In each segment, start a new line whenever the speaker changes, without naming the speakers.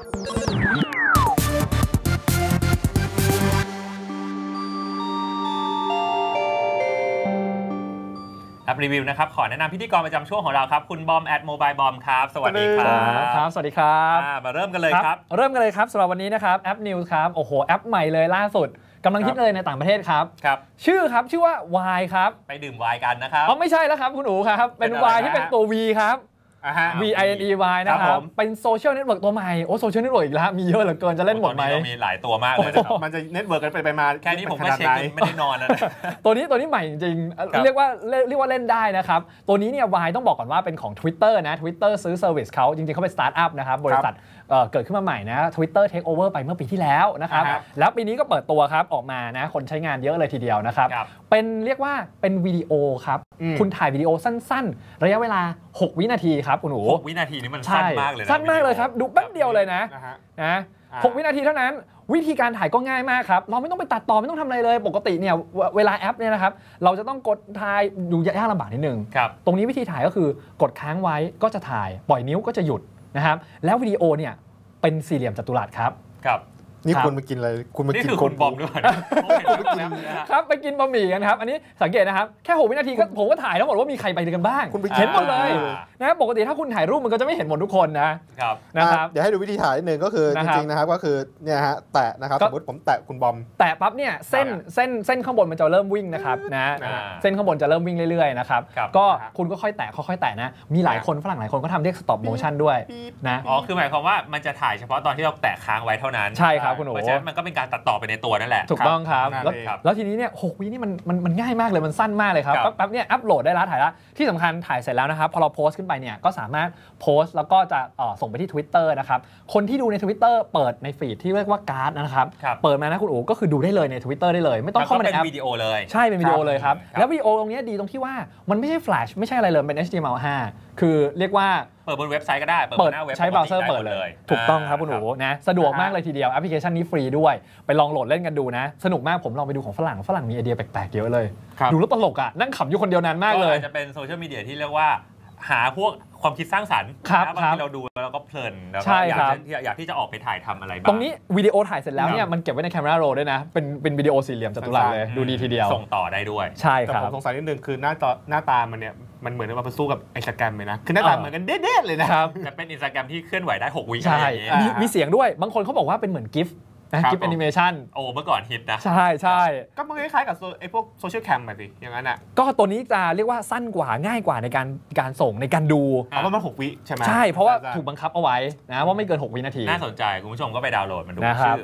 แอปรีวิวนะครับขอแนะนำพิธีกรประจำช่วงของเราครับคุณบอมโมบายบอมครับสวัสดีครับ
สวัสดีครับ
มาเริ่มกันเลยครับ
เริ่มกันเลยครับสำหรับวันนี้นะครับแอป News ครับโอ้โหแอปใหม่เลยล่าสุดกำลังฮิตเลยในต่างประเทศครับชื่อว่า Y ครับ
ไปดื่ม Y กันนะครับ
ไม่ใช่แล้วครับคุณอู๋ครับเป็น Y ที่เป็นตัว V ครับ VINEY นะครับเป็นโซเชียลเน็ตเวิร์กตัวใหม่โซเชียลเน็ตเวิร์กอีกแล้วมีเยอะเหลือเกินจะเล่นหมดไหม
มีหลายตัวมากเลย
มันจะเน็ตเวิร์กกันไปมา
แค่นี้ผมก็เช็คไม่ได้นอนแล้ว
ตัวนี้ใหม่จริงๆเรียกว่าเล่นได้นะครับตัวนี้เนี่ย Y ต้องบอกก่อนว่าเป็นของ Twitter นะ Twitter ซื้อเซอร์วิสเขาจริงๆเขาเป็นสตาร์ทอัพนะครับบริษัทเกิดขึ้นมาใหม่นะ Twitter Take Over ไปเมื่อปีที่แล้วนะครับแล้วปีนี้ก็เปิดตัวครับออกมานะคนใช้งานเยอะเลยทีเดียวนะครับเป็นเรียกว่าเป็นวิดีโอครับคุณถ่ายวิดีโอสั้นๆระยะเวลา6 วินาทีครับคุณหนู
6 วินาทีนี่มันสั้นมากเลยนะ
สั้นมากเลยครับดูแป๊บเดียวเลยนะ6 วินาทีเท่านั้นวิธีการถ่ายก็ง่ายมากครับเราไม่ต้องไปตัดต่อไม่ต้องทำอะไรเลยปกติเนี่ยเวลาแอปเนี่ยนะครับเราจะต้องกดถ่ายดูยากลำบากนิดนึงตรงนี้วิธีถ่ายก็คือกดค้างไว้ก็จะถ่ายปล่อยนิ้วก็จะหยุดนะครับแล้ววิดีโอเนี่ยเป็นสี่เหลี่ยมจัตุรัสครับ
นี่คุณมากินอะไรคุณมากิน
คนบอมด้วย
ครับไปกินบะหมี่กันครับอันนี้สังเกตนะครับแค่6 วินาทีก็ผมก็ถ่ายทั้งหมดว่ามีใครไปกันบ้าง
คุณไป
เห็นหมดเลยนะปกติถ้าคุณถ่ายรูปมันก็จะไม่เห็นหมดทุกคนนะครับ
เดี๋ยวให้ดูวิธีถ่ายนิดนึงก็คือจริงๆนะครับก็คือเนี่ยฮะแตะนะครับสมมติผมแตะคุณบอม
แตะปั๊บเนี่ยเส้นข้างบนมันจะเริ่มวิ่งนะครับนะเส้นข้างบนจะเริ่มวิ่งเรื่อยๆนะครับก็คุณก็ค่อยแตะค่อยๆแตะนะมีหลายคนฝรั่งหลายคนก็ทำเรียก stop motion ด้วยนะ
คือหมายความว่ามันจะถ่ายเฉพาะตอนที่เราแตะค้างไว้เท่านั้น
ใช่ครับคุณหนู
เพราะฉะนั้นมันก็เป็นการตัดต่อไปในตัวนั่นแหละ
ถูกต้องครับแล้วทีนี้เนี่ย6 วินี่มันง่ายมากเลยมันสั้นมากเลยครับแป๊บเนี่ยอัปโหลดได้แล้วถ่ายแล้วที่สำคัญถ่ายเสร็จแล้วนะครับพอเราโพสต์ขึ้นไปเนี่ยก็สามารถโพสต์แล้วก็จะส่งไปที่ Twitter นะครับคนที่ดูใน Twitter เปิดในฟีดที่เรียกว่าการ์ดนะครับเปิดมานะคุณอู๋ก็คือดูได้เลยใน Twitter ได้เลยไม่ต้องเข้ามาในแอป
เป็นวิดีโอเลย
ใช่เป็นวิดีโอเลยครับแล้ววิดีโอตรงนี้ดีตรงที่ว่ามันไม่ใช่แฟลชไม่ใช่อะไรเลยเป็น HTML5 คือเรียกว่า
เปิดบนเว็บไซต์ก็ได้
เปิดใช้เบราว์เซอร์เปิดเลยถูกต้องครับคุณหนูนะสะดวกมากเลยทีเดียวแอปพลิเคชันนี้ฟรีด้วยไปลองโหลดเล่นกันดูนะสนุกมากผมลองไปดูของฝรั่งมีไอเดียแปลกๆเยอะเลยดูแล้วตลกอ่ะนั่งขำอยู่คนเดียวนานมากเลย
จะเป็นโซเชียลมีเดียที่เรียกว่าหาพวกความคิดสร้างสรรค์บางทีเราดูแล้วก็เพลินแล้วก็อยากที่จะออกไปถ่ายทำอะไรบ้าง
ตรงนี้วิดีโอถ่ายเสร็จแล้วเนี่ยมันเก็บไว้ใน Camera Roll ด้วยนะเป็นวิดีโอสี่เหลี่ยมจัตุรัสเลยดูดีทีเดียว
ส่งต่อได้ด้วย
ใช่ครับ
แต่ผมสงสัยนิดนึงคือหน้าตามันเนี่ยมันเหมือนมาสู้กับ Instagram เลยนะคือหน้าตาเหมือนกันเด็ดๆเลยนะครับ
แต่เป็น Instagram ที่เคลื่อนไหวได้6 วิ
ใช่มีเสียงด้วยบางคนเขาบอกว่าเป็นเหมือนกิฟต์กิฟต์แอนิเมชัน
เมื่อก่อนฮิตนะ
ใช่
ก็มันคล้ายๆกับไอ้พวกโซเชียลแคมแบบนี้อย่างนั้นอ่ะ
ก็ตัวนี้จะเรียกว่าสั้นกว่าง่ายกว่าในการส่งในการดู
เพราะมัน6 วิใช่ไหม
ใช่เพราะว่าถูกบังคับเอาไว้นะว่าไม่เกิน6 วินาที
น่าสนใจคุณผู้ชมก็ไปดาวน์โหลดมันดูชื่อ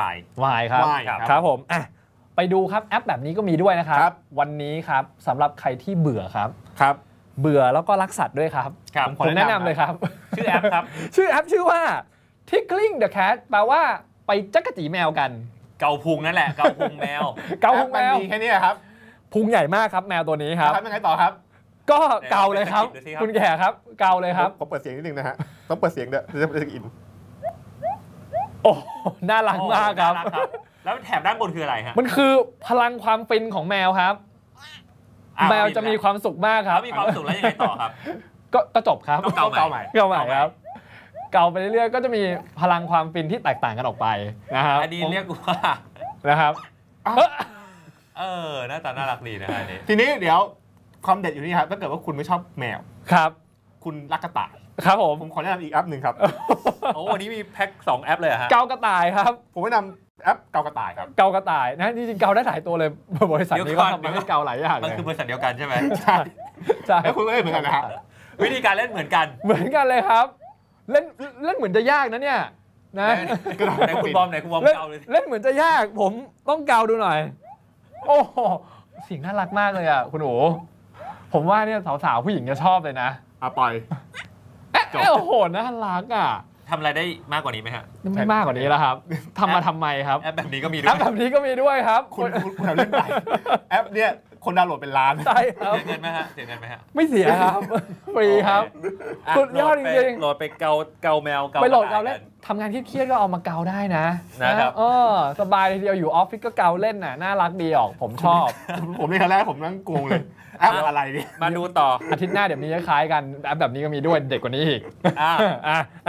Y ครับผมไปดูครับแอปแบบนี้ก็มีด้วยนะครับวันนี้ครับสำหรับใครที่เบื่อครับเบื่อแล้วก็รักสัตว์ด้วยครับผมแนะนำเลยครับ
ชื่อแอปครับ
ชื่อแอปชื่อว่า Tickling the Cat แปลว่าไปจักรจีแมวกัน
เกาพุงนั่นแหละเกาพุงแมว
มีแค่นี้ครับ
พุงใหญ่มากครับแมวตัวนี้ครับ
ยังไงต่อครับ
ก็เกาเลยครับคุณแก่ครับเกาเลยครับ
ผมเปิดเสียงนิดนึงนะฮะต้องเปิดเสียงเด้อจะอิน
โอ้น่ารักมากครับ
แล้วแถบด้านบนคืออะไรฮะ
มันคือพลังความฟินของแมวครับแมวจะมีความสุขมากครับ
มีความสุขแล้วยังไงต่อครับ
ก็จบครับ
เกาใหม่
ครับเกาไปเรื่อยๆก็จะมีพลังความฟินที่แตกต่างกันออกไปนะครับ
อันนี้เรียกว่า
นะครับ
หน้าตาน่ารักดีนะฮะ
ทีนี้เดี๋ยวความเด็ดอยู่นี่ครับถ้าเกิดว่าคุณไม่ชอบแมว
ครับ
คุณรักกระต่าย
ครับผม
ขอแนะนำอีกแอปหนึ่งครับ
วันนี้มีแพ็ค2แอปเลยฮะ
เกากระต่ายครับ
ผมแนะนำแอปเกากระต่ายครับ
เกากระต่ายนะจริงๆเกาได้หลายตัวเลยบริษัทนี้ก็ทำมาให้เกาหลายอย่าง
มันคือบริษัทเดียวกันใช่ไหม
ใช่แล้วคุณก็เล่นเหมือนกันนะฮะ
วิธีการเล่นเหมือนกัน
เลยครับเล่นเหมือนจะยากนะเนี่ยนะ
ไหนคุณบอมเกาเลย
เล่นเหมือนจะยากผมต้องเกาดูหน่อยโอ้เสียงน่ารักมากเลยอ่ะคุณโอ๋ผมว่าเนี่ยสาวๆผู้หญิงจะชอบเลยนะ
ปล่อย
โอ้โหน่ารักอ่ะ
ทำอะไรได้มากกว่านี้ไหมฮะ
ไม่มากกว่านี้แล้วครับทำมาทำไมครับ
แอปแบบนี้ก็มีด้วย
ครับ
คุณเล่นไปแอปเนี่ยคนดาวน์โหลดเป็นล้าน
ใช่ครับ
เสียเงินไหมฮะ
ไม่เสียครับฟรีครับสุดยอดจริง
ๆโหลดไปเกาแมว
ไปโหลดเกาเล่นทำงานเครียดๆก็เอามาเกาได้นะครับสบายทีเดียวอยู่ออฟฟิศก็เกาเล่นน่ะน่ารักดีออกผมชอบ
ผมในครั้งแรกผมนั่งงงเลยแอปอะไรเนี่ย
มาดูต่อ
อาทิตย์หน้าเดี๋ยวนี้คล้ายกันแอปแบบนี้ก็มีด้วยเด็กกว่านี้อีก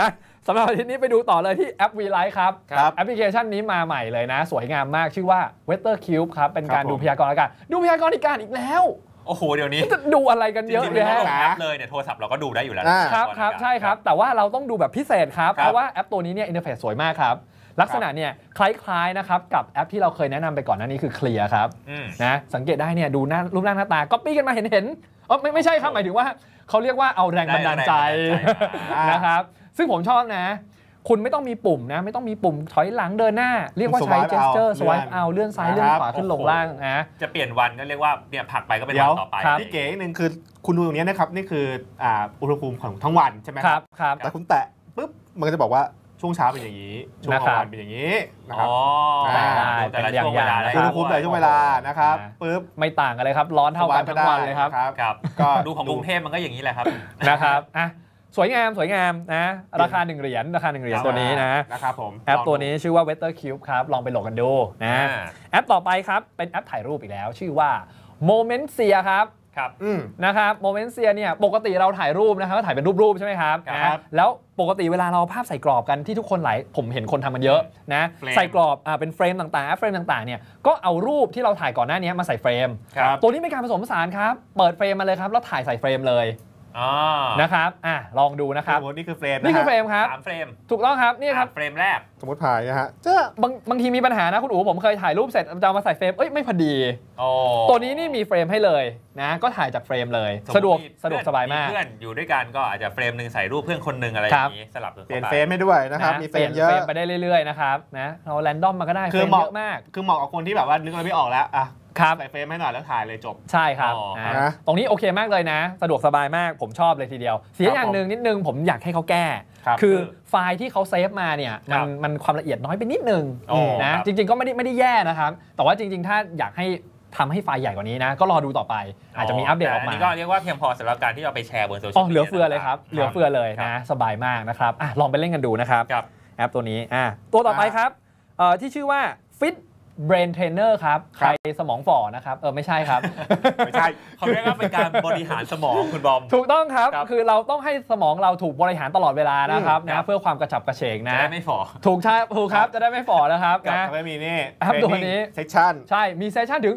สำหรับอาทิตย์นี้ไปดูต่อเลยที่แอป V-Lite ครับ
ครับ
แอปพลิเคชันนี้มาใหม่เลยนะ สวยงามมากชื่อว่า Weather Cube ครับ เป็นการ
ครับผม
ดูพยากรณ์อากาศดูพยากรณ์อากาศอีกแล้ว
โอ้โหเดี๋ยวนี้
จะดูอะไรกัน
จ
เยอะ
ริงๆไม่
แยะ
ต้องลงแอปเลยเนี่ยโทรศัพท์เราก็ดูได้อยู่แล้ว
ครับใช่ครับแต่ว่าเราต้องดูแบบพิเศษครับ
ครับ
เพราะว่าแอปตัวนี้เนี่ยอินเทอร์เฟซสวยมากครับลักษณะเนี่ยคล้ายๆนะครับกับแอปที่เราเคยแนะนำไปก่อนหน้านี้คือ Clear ครับ นะสังเกตได้เนี่ยดูหน้ารูปร่างหน้าตาก๊อปปี้กันมาเห็นไม่ใช่ครับหมายถึงว่าเขาเรียกว่าเอาแรงบันดาลใจนะครับซึ่งผมชอบนะคุณไม่ต้องมีปุ่มนะไม่ต้องมีปุ่มถอยหลังเดินหน้าเรียกว่าใช้ gesture swipe เอาเลื่อนซ้ายเลื่อนขวาขึ้นลงล่างนะ
จะเปลี่ยนวันก็เรียกว่าเนี่ยผลักไปก็เป็น
เดี๋
วั
ยวน
ต่อไป
ที่เก๋หนึ่งคือคุณดูตรงนี้นะครับนี่คืออุณหภูมิของทั้งวันใช่ไหม
ครับครับ
แต่คุณแตะปุ๊บมันก็จะบอกว่าช่วงเช้าเป็นอย่างนี้ช่วงกลางวันเป็นอย่างนี้นะครับ
อ๋อ
แต่ละช่วงเวลา
อุณหภูมิแต่ละช่วงเวลานะครับปุ๊บ
ไม่ต่างกันเลยครับร้อนเท่ากันทั้งวันเลยครับ
ครับ
ก็
ดูของกรุงเทพมันก็อย่างนี้แหละครับ
นะครับอ่ะสวยงามนะราคา1 เหรียญตัวนี้
นะครับผม
แอปตัวนี้ชื่อว่า Weather Cube ครับลองไปโหลดกันดูนะแอปต่อไปครับเป็นแอปถ่ายรูปอีกแล้วชื่อว่า Momentia ครับนะครับ Momentia เนี่ยปกติเราถ่ายรูปนะครับก็ถ่ายเป็นรูปใช่ไหมครับนะแล้วปกติเวลาเราภาพใส่กรอบกันที่ทุกคนผมเห็นคนทำมันเยอะนะใส่กรอบเป็นเฟรมต่างๆแอปเฟรมต่างๆเนี่ยก็เอารูปที่เราถ่ายก่อนหน้านี้มาใส่เฟรมตัวนี้เป็นการผสมผสานครับเปิดเฟรมมาเลยครับแล้วถ่ายใส่เฟรมเลยนะครับลองดูนะครับ
นี่คือเฟรม
นี่คือเฟรมครับ
3 เฟรม
ถูกต้องครับนี่ครับ
เฟรมแรก
สมมติถ่ายนะฮะ
บางทีมีปัญหานะคุณอู๋ผมเคยถ่ายรูปเสร็จจะมาใส่เฟรมไม่พอดีตัวนี้นี่มีเฟรมให้เลยนะก็ถ่ายจากเฟรมเลยสะดวกสบายมาก
เพื่อนอยู่ด้วยกันก็อาจจะเฟรมนึงใส่รูปเพื่อนคนนึงอะไรอย่างนี้สลับ
เปลี่ยนเฟรมให้ด้วยนะครับมีเฟรมเยอะ
ไปได้เรื่อยๆนะครับนะเราแรนดอมมาก็ได้เฟรมเยอะมาก
คือเหมาะกับคนที่แบบว่านึกอะไรไม่ออกแล้วใส่เฟรมให้หน่อยแล้วถ่ายเลยจบ
ใช่ครับตรงนี้โอเคมากเลยนะสะดวกสบายมากผมชอบเลยทีเดียวเสียอย่างหนึ่งนิดนึงผมอยากให้เขาแก้คือไฟล์ที่เขาเซฟมาเนี่ยมันความละเอียดน้อยไปนิดนึงนะจริงๆก็ไม่ได้แย่นะครับแต่ว่าจริงๆถ้าอยากให้ทำให้ไฟล์ใหญ่กว่านี้นะก็รอดูต่อไปอาจจะมีอัปเดตออกมา
อันนี้ก็เรียกว่าเพียงพอสำหรับการที่เอาไปแชร์บนโซเชียลมีเดีย
เหลือเฟือเลยครับเหลือเฟือเลยนะสบายมากนะครับลองไปเล่นกันดูนะครับแอปตัวนี้ตัวต่อไปครับที่ชื่อว่า Fit Brain Trainer ครับใครสมองฝ่อนะครับไม่ใช่ครับ
ไม่ใช่เขาเรียกว่าเป็นการบริหารสมองคุณบอม
ถูกต้องครับคือเราต้องให้สมองเราถูกบริหารตลอดเวลานะครับนะเพื่อความกระฉับกระเฉงนะ
จะได้ไม่ฝ่อ
ถูกครับจะได้ไม่ฝ่อนะครับ
นะไม่มีนี่
แอปตัวนี้
เซสชั่น
ใช่มีเซสชั่นถึง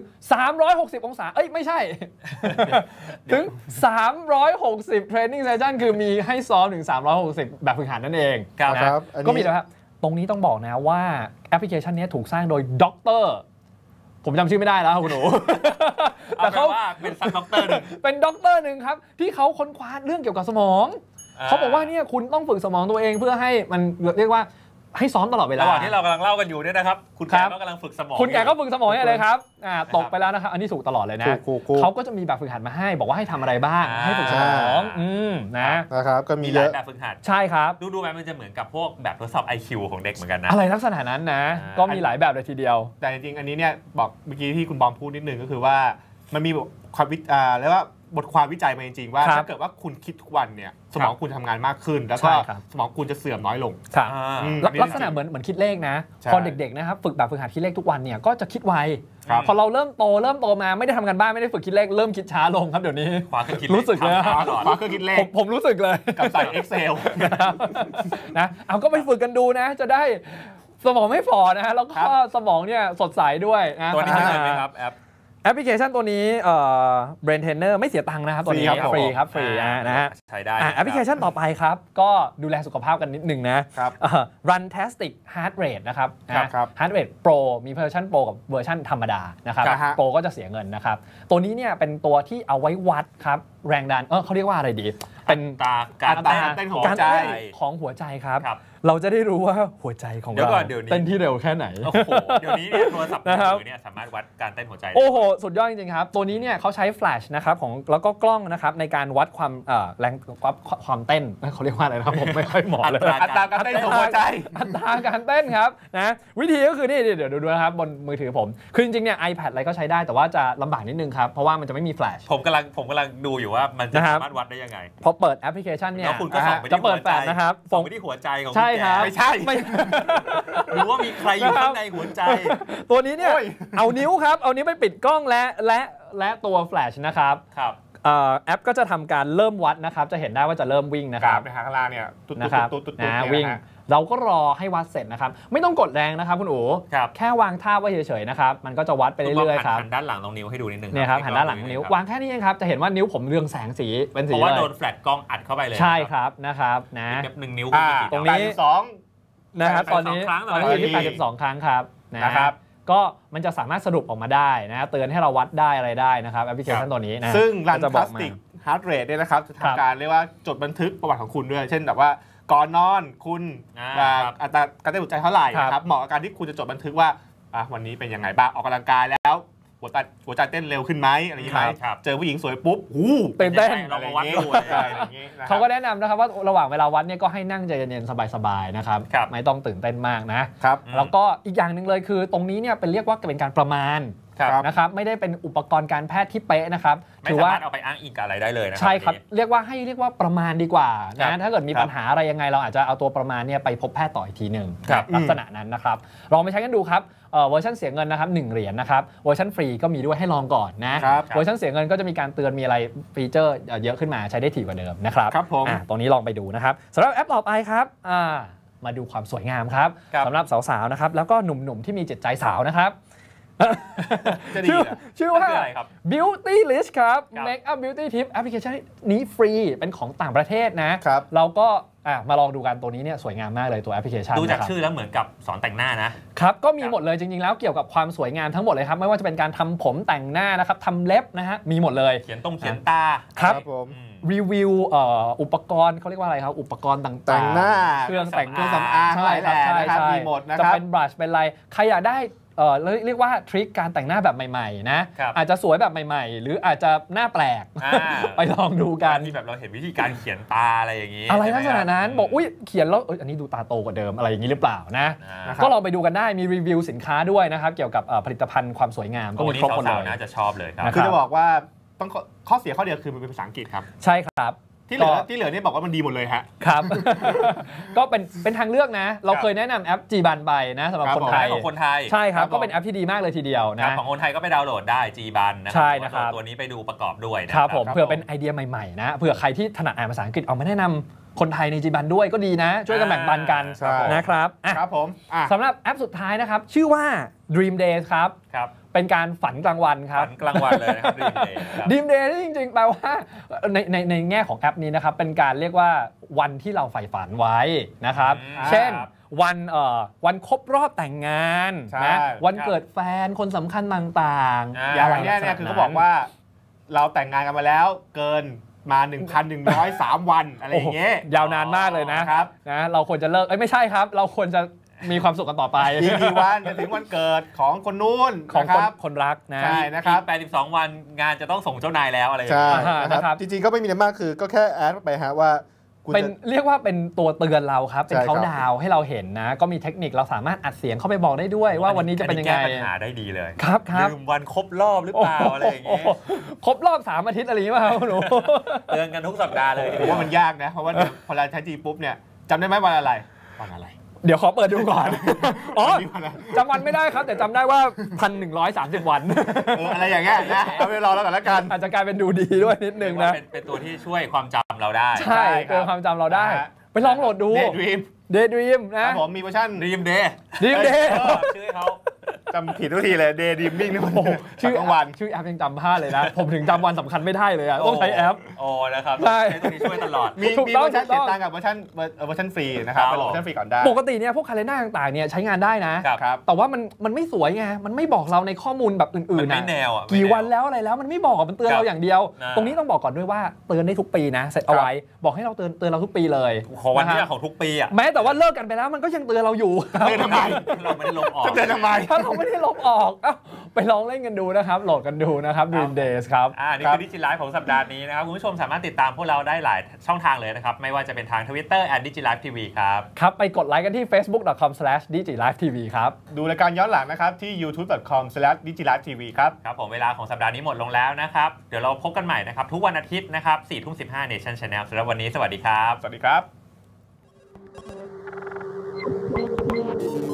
360องศาไม่ใช่ถึง360 Training Session คือมีให้ซ้อมถึง360แบบฝึกหัดนั่นเอง
ครับ
ก็มีแล้วครับตรงนี้ต้องบอกนะว่าแอปพลิเคชันนี้ถูกสร้างโดยด็อกเตอร์ผมจำชื่อไม่ได้แล้วคุณหนู
แต่เขาว่าเป็นซับด็อกเตอร์นึง
เป็นด็อกเตอร์นึงครับที่เขาค้นคว้าเรื่องเกี่ยวกับสมองเขาบอกว่าเนี่ยคุณต้องฝึกสมองตัวเองเพื่อให้มันเรียกว่าให้ซ้อมตลอดเวลา
ระหว่างที่เรากำลังเล่ากันอยู่เนี่ยนะครับคุณแกก็กำลังฝึกสมอง
คุณแกก็ฝึกสมองเลยครับตกไปแล้วนะครับอันนี้ถูกตลอดเลยนะเขาก็จะมีแบบฝึกหัดมาให้บอกว่าให้ทำอะไรบ้างให้ฝึกสมอง
นะครับก็มี
หลายแบบฝึกหัด
ใช่ครับ
ดูแบบมันจะเหมือนกับพวกแบบทดสอบ IQ ของเด็กเหมือนกันนะ
อะไรลักษณะนั้นนะก็มีหลายแบบเลยทีเดียว
แต่จริงๆอันนี้เนี่ยบอกเมื่อกี้ที่คุณบอมพูดนิดนึงก็คือว่ามันมีความเรียกว่าบทความวิจัยมาจริงๆว่าถ้าเกิดว่าคุณคิดทุกวันเนี่ยสมองคุณทำงานมากขึ้นแล้วก็สมองคุณจะเสื่อมน้อยลง
ลักษณะเหมือนคิดเลขนะพอเด็กๆนะครับฝึกแบบฝึกหัดคิดเลขทุกวันเนี่ยก็จะคิดไวพอเราเริ่มโตมาไม่ได้ทำงานบ้านไม่ได้ฝึกคิดเลขเริ่มคิดช้าลงครับเดี๋ยวนี้รู้สึกเลย
คว้าเครื่องคิดเลข
ผมรู้สึกเลย
กับใส่ Excel
นะเอาก็ไปฝึกกันดูนะจะได้สมองไม่ฝ่อนะฮะแล้วก็สมองเนี่ยสดใสด้วยนะ
ตัวนี้ใช่ไหมครับ
แอปพลิเคชันตัวนี้Brain Trainer ไม่เสียตังค์นะครับตัวนี้ฟรีครับฟรีนะฮะ
ใช้ได้
แอปพลิเคชันต่อไปครับก็ดูแลสุขภาพกันนิดนึงนะ Runtastic Heart Rate นะครับ Heart Rate Pro มีเวอร์ชัน Pro กับเวอร์ชันธรรมดานะครับ Pro ก็จะเสียเงินนะครับตัวนี้เนี่ยเป็นตัวที่เอาไว้วัดครับแรงดันเขาเรียกว่าอะไรดีเป็น
การเต้นของหัวใจ
ของหัวใจครับเราจะได้รู้ว่าหัวใจของเราเต้นที่เร็วแค่ไหน
โอ้โหเดี๋ยวนี้เนี่ยโทรศัพท์มือถือเนี่ยสามารถวัดการเต้นหัวใจ
โอ้โหสุดยอดจริงๆครับตัวนี้เนี่ยเขาใช้แฟลชนะครับแล้วก็กล้องนะครับในการวัดความแรงความเต้นเขาเรียกว่าอะไรนะครับผมไม่ค่อยเหมาะเลย
อัตราการเต้นของหัวใจ
อัตราการเต้นครับนะวิธีก็คือนี่เดี๋ยวดูนะครับบนมือถือผมคือจริงๆเนี่ย iPad อะไรก็ใช้ได้แต่ว่าจะลำบากนิดนึงครับเพราะว่ามันจะไม่มีแฟลช
ผมกำลังดูอยู่ว่ามันจะสามารถวัดได้ยังไง
พอเปิดแอปพลิเคชันเนี่ย
จะ
เปิดแฟลชนะครับ
ส่องไปที่หัวใจของคุณแก
ไม่ใช่
หรือว่ามีใครอยู่ข้างในหัวใจ
ตัวนี้เนี่ยเอานิ้วครับเอานิ้วไปปิดกล้องและตัวแฟลชนะครับแอปก็จะทำการเริ่มวัดนะครับจะเห็นได้ว่าจะเริ่มวิ่งนะครับ
ในข้างล่างเนี่ยตุ๊ด
วิ่งเราก็รอให้วัดเสร็จนะครับไม่ต้องกดแรงนะครับคุณอู๋แค่วางท่าไว้เฉยๆนะครับมันก็จะวัดไปเรื่อยๆครับ
หันด้านหลังตรงนิ้วให้ดูนิดนึง
เนี่ยครับหันด้านหลังนิ้ววางแค่นี้เองครับจะเห็นว่านิ้วผมเรืองแสงสีเป็นสี
เพราะว่าโดนแฟลชกล้องอัดเข้าไปเลย
ใช่ครับนะครับนะ
1 นิ้ว
ตรงนี้2
นะครับตอนนี้อยู่ที่82 ครั้งครับนะครับก็มันจะสามารถสรุปออกมาได้นะเตือนให้เราวัดได้อะไรได้นะครับแอปพลิเคชันตัวนี้นะ
ซึ่ง Run Plastic Heart Rate เนี่ยนะครับจะทำการเรียกว่าจดบันทึกประวัติของคุณด้วยเช่นแบบว่าก่อนนอนคุณอัตราการเต้นหัวใจเท่าไหร่นะครับเหมาะกับการที่คุณจะจดบันทึกว่าวันนี้เป็นยังไงบ้างออกกำลังกายแล้วหัวใจเต้นเร็วขึ้นไหมอะไรอย่างนี้ไหมเจอผู้หญิงสวยปุ๊บ
ตื่นเต้น
เรามาวัดดู
เขาก็แนะนำนะครับว่าระหว่างเวลาวัดเนี่ยก็ให้นั่งใจเย็นๆสบายๆนะครับไม่ต้องตื่นเต้นมากนะครับแล้วก็อีกอย่างหนึ่งเลยคือตรงนี้เนี่ยเป็นเรียกว่าเป็นการประมาณนะครับไม่ได้เป็นอุปกรณ์การแพทย์ที่เป๊ะนะครับ
ถือว่าเอาไปอ้างอิงกับอะไรได้เลยนะ
ใช่ครับเรียกว่าประมาณดีกว่านะถ้าเกิดมีปัญหาอะไรยังไงเราอาจจะเอาตัวประมาณเนี่ยไปพบแพทย์ต่ออีกทีหนึ่งลักษณะนั้นนะครับลองไปใช้กันดูครับเวอร์ชันเสียเงินนะครับ1 เหรียญนะครับเวอร์ชันฟรีก็มีด้วยให้ลองก่อนนะเวอร์ชันเสียเงินก็จะมีการเตือนมีอะไรฟีเจอร์เยอะขึ้นมาใช้ได้ถี่กว่าเดิมนะครับตรงนี้ลองไปดูนะครับสำหรับแอปต่อไปครับมาดูความสวยงามครับสำหรับสาวๆนะครับแล้วก็หนุ่มๆที่มีจิตใจสาวนะครับชื่อว่า Beauty List ครับ Make up Beauty Tip แอปพลิเคชันนี้ฟรีเป็นของต่างประเทศนะเราก็มาลองดูกันตัวนี้เนี่ยสวยงามมากเลยตัวแอปพลิเคชัน
ดูจากชื่อแล้วเหมือนกับสอนแต่งหน้า
นะครับก็มีหมดเลยจริงๆแล้วเกี่ยวกับความสวยงามทั้งหมดเลยครับไม่ว่าจะเป็นการทำผมแต่งหน้านะครับทำเล็บนะฮะมีหมดเลย
เขียนตา
ครับรีวิวอุปกรณ์เขาเรียกว่าอะไรครับอุปกรณ์ต่างๆ
แต่งหน้า
เครื่องแต่ง
สำอางใช่ครับมีหมดนะครับ
จะเป็นบลัชเป็นอะไรใครอยากได้เรียกว่าทริคการแต่งหน้าแบบใหม่ๆนะอาจจะสวยแบบใหม่ๆหรืออาจจะหน้าแปลกไปลองดูกัน
มีแบบเราเห็นวิธีการเขียนตาอะไรอย่างนี้
อะไรลักษณะนั้นบอกอุ้ยเขียนแล้วอันนี้ดูตาโตกว่าเดิมอะไรอย่างนี้หรือเปล่านะก็ลองไปดูกันได้มีรีวิวสินค้าด้วยนะครับเกี่ยวกับผลิตภัณฑ์ความสวยงามก็มีครบหมดเลย
น่าจะชอบเลยครับ
คือจะบอกว่าต้องข้อเสียข้อเดียวคือมันเป็นภาษาอังกฤษครับ
ใช่ครับ
ที่เหลือนี่บอกว่ามันดีหมดเลยฮะ
ครับก็เป็นทางเลือกนะเราเคยแนะนำแอป Gban ไปนะสำหรับคนไทยใช่ครับก็เป็นแอปที่ดีมากเลยทีเดียวนะ
ของคนไทยก็ไปดาวน์โหลดได้ Gban นะ
ใช่นะครับ
ตัวนี้ไปดูประกอบด้วย
นะครับผมเผื่อเป็นไอเดียใหม่ๆนะเผื่อใครที่ถนัดอ่านภาษาอังกฤษเอามาแนะนำคนไทยใน Gban ด้วยก็ดีนะช่วยกันแบ่งปันกันนะครับ
ครับผม
สำหรับแอปสุดท้ายนะครับชื่อว่า Dream Days ครับเป็นการฝันกลางวันครับ
ฝันกลางวันเลยนะครับ
Dream Day จริงๆแปลว่าในแง่ของแอปนี้นะครับเป็นการเรียกว่าวันที่เราใฝ่ฝันไว้นะครับเช่นวันครบรอบแต่งงานนะวันเกิดแฟนคนสำคัญต่าง
ๆอย่างนี้เนี่ยคือเขาบอกว่าเราแต่งงานกันมาแล้วเกินมา 1,103 วันอะไรอย่างเงี้ย
ยาวนานมากเลยนะครับนะเราควรจะเลิกไม่ใช่ครับเราควรจะมีความสุขกันต่อไป
กี่วันจะถึงวันเกิดของคนนู้น
ของคนรักนะ
ใช่นะครับ
82 วันงานจะต้องส่งเจ้านายแล้วอะไรอย่าง
เงี้ยนะครับจริงๆก็ไม่มีอะไรมากคือก็แค่แอดไปฮะว่า
เป็นเรียกว่าเป็นตัวเตือนเราครับเป็นเขาดาวให้เราเห็นนะก็มีเทคนิคเราสามารถอัดเสียงเข้าไปบอกได้ด้วยว่าวันนี้จะเป็นยังไง
แก้ปัญหาได้ดีเลย
ครับ
ลืมวันครบรอบหรือเปล่าอะไรอย่างเงี้ย
ครบรอบ3 อาทิตย์อะไรอย่างเงี้ยครับหนู
เตือนกันทุกสัปดาห์เลย
ผมว่ามันยากนะเพราะว่าพอเราใช้จีปุ๊บเนี่ยจำได้ไหมวันอะไร
เดี๋ยวขอเปิดดูก่อนอ๋อจำวันไม่ได้ครับแต่จำได้ว่า 1,130 วัน
อะไรอย่างเงี้ยนะเอาไปรอแล้วกันละกัน
อาจจะกลายเป็นดูดีด้วยนิดนึงนะ
เป็นตัวที่ช่วยความจำเราได้
ใช่เกินความจำเราได้ไปลองโหลดดู Daydream นะ
ผมมีเวอร์ชัน
Dream Day
ชื่
อเขา
จำผิดทุกทีเลย Daydreaming นี่มันชื่อกลางวัน
ชื่อแอปยังจำพลาดเลยนะผมถึงจำวันสำคัญไม่ได้เลยต้องใช้แอป
นะครับใช้ตัวนี้ช่วยตลอด
มีเวอร์ชันเสียตังค์กับเวอร์ชันฟรีนะครับไปโหลดเวอร์ชันฟรีก่อนได้
ปกติเนี่ยพวกคาเลนด้าต่างๆเนี่ยใช้งานได้นะแต่ว่ามันไม่สวยไงมันไม่บอกเราในข้อมูลแบบอื่นๆนะกี่วันแล้วอะไรแล้วมันไม่บอกมันเตือนเราอย่างเดียวตรงนี้ต้องบอกก่อนด้วยว่าเตือนได้ทุกปีนะเสร็จเอาไว้บอกให้เราเตือนเราทุกปีเลย
ของวันที่ของทุกปีอ่ะ
แม้แต่ว่าเลิกกันไปแล้วมันก็ยังเตือนเราอยู่
เตือนทำไม
เราไม่ได้ลบออก
เตือนทำไม
ถ้าเราไม่ได้ลบออกไปลองเล่นกันดูนะครับโหลดกันดูนะครับ Dream Days ครับ
นี่คือดิจิไลฟ์ของสัปดาห์นี้นะครับคุณผู้ชมสามารถติดตามพวกเราได้หลายช่องทางเลยนะครับไม่ว่าจะเป็นทาง Twitter @digilifetv ครับ
ครับไปกดไลค์กันที่ facebook.com/digilifetv ครับ
ดูรายการย้อนหลังนะครับที่ youtube.com/digilifetv ครับ
ครับผมเวลาของสัปดาห์นี้หมดลงแล้วนะครับเดี๋ยวเราพบกันใหม่นะครับทุกวันอาทิตย์นะครับ 4:15 Nation Channel สำหรับวันนี้สวัสดีครับ
สวัสดีครับ